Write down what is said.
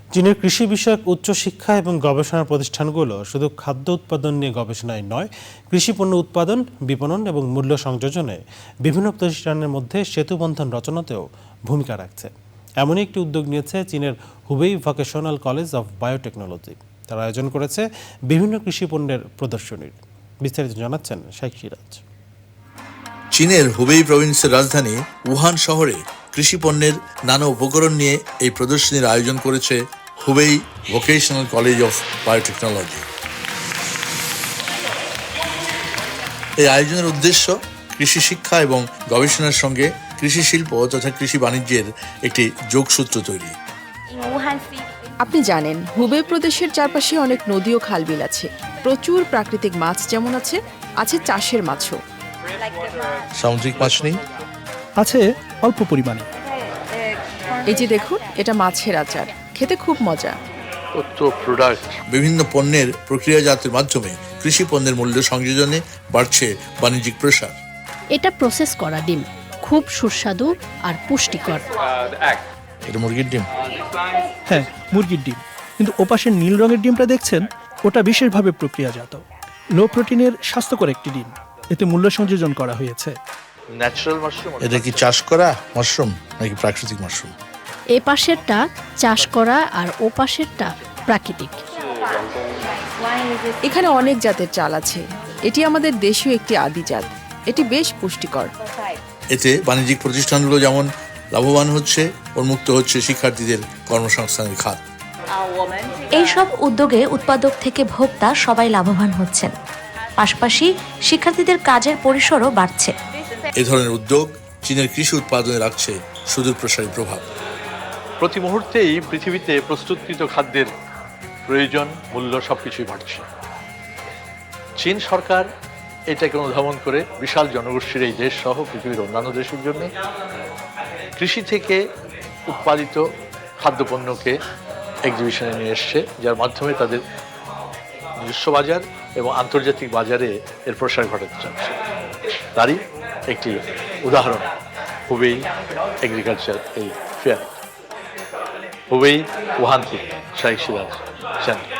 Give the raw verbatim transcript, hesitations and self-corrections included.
চীনের কৃষি বিষয়ক উচ্চশিক্ষা এবং গবেষণা প্রতিষ্ঠানগুলো শুধু খাদ্য উৎপাদন নিয়ে গবেষণায় নয়, কৃষি পণ্য উৎপাদন, বিপণন এবং মূল্য সংযোজনে বিভিন্ন প্রতিষ্ঠানের মধ্যে সেতুবন্ধন রচনাতেও ভূমিকা রাখছে। এমনই একটি উদ্যোগ নিয়েছে চীনের Hubei vocational college of biotechnology. তারা আয়োজন করেছে বিভিন্ন কৃষি পণ্যের প্রদর্শনীর। বিস্তারিত জানাচ্ছেন শেখ সিরাজ। চীনের হুবেই প্রভিন্সের রাজধানী উহান শহরে কৃষি পণ্যের নানা উপকরণ নিয়ে এই প্রদর্শনীর আয়োজন করেছে Hubei vocational college of biotechnology. এই আয়োজনের উদ্দেশ্য কৃষি শিক্ষা এবং গবেষণার সঙ্গে কৃষি শিল্প তথা কৃষি বাণিজ্যের একটি যোগসূত্র তৈরি। আপনি জানেন, হুবেই প্রদেশের চারপাশে অনেক নদী ও খালবিল আছে। প্রচুর প্রাকৃতিক মাছ যেমন আছে, আছে চাষের মাছও। সামুদ্রিক মাছ নেই? আছে অল্প পরিমাণে। এই যে দেখুন, এটা মাছের আচার, খেতে খুব মজা। বিভিন্ন পণ্যের প্রক্রিয়াজাতের মাধ্যমে কৃষি পণ্যের মূল্য সংযোজনে বাড়ছে বাণিজ্যিক প্রসার। এটা প্রসেস করা ডিম, খুব সুস্বাদু আর পুষ্টিকর। এটা মুরগির ডিম? হ্যাঁ, মুরগির ডিম। কিন্তু ওপাশের নীল রঙের ডিমটা দেখছেন, ওটা বিশেষভাবে প্রক্রিয়াজাত, লো প্রোটিনের স্বাস্থ্যকর একটি ডিম। এতে মূল্য সংযোজন করা হয়েছে। এটা কি চাষ করা মাশরুম নাকি প্রাকৃতিক মাশরুম? এ পাশেরটা চাষ করা আর ও পাশেরটা প্রাকৃতিক। এখানে অনেক জাতের চাল আছে। এটি আমাদের দেশীয় একটি আদি জাত। এটি বেশ পুষ্টিকর। এতে বাণিজ্যিক প্রতিষ্ঠানগুলো যেমন লাভবান হচ্ছে, উন্মুক্ত হচ্ছে শিক্ষার্থীদের কর্মসংস্থানের খাত। এইসব উদ্যোগে উৎপাদক থেকে ভোক্তা সবাই লাভবান হচ্ছেন, পাশাপাশি শিক্ষার্থীদের কাজের পরিসরও বাড়ছে। এ ধরনের উদ্যোগ চীনের কৃষি উৎপাদনে রাখছে সুদূর প্রসারী প্রভাব। প্রতি মুহূর্তেই পৃথিবীতে প্রস্তুতকৃত খাদ্যের প্রয়োজন, মূল্য সবকিছুই বাড়ছে। চীন সরকার এটাকে অনুধাবন করে বিশাল জনগোষ্ঠীর এই দেশ সহ পৃথিবীর অন্যান্য দেশের জন্য কৃষি থেকে উৎপাদিত খাদ্যপণ্যকে এক্সিবিশনে নিয়ে এসছে, যার মাধ্যমে তাদের নিজস্ব বাজার এবং আন্তর্জাতিক বাজারে এর প্রসার ঘটাতে চাচ্ছে। তারই একটি উদাহরণ হুবেই এগ্রিকালচার এই ফেয়ার। হুবেই উহান থেকে শেখ সিরাজ।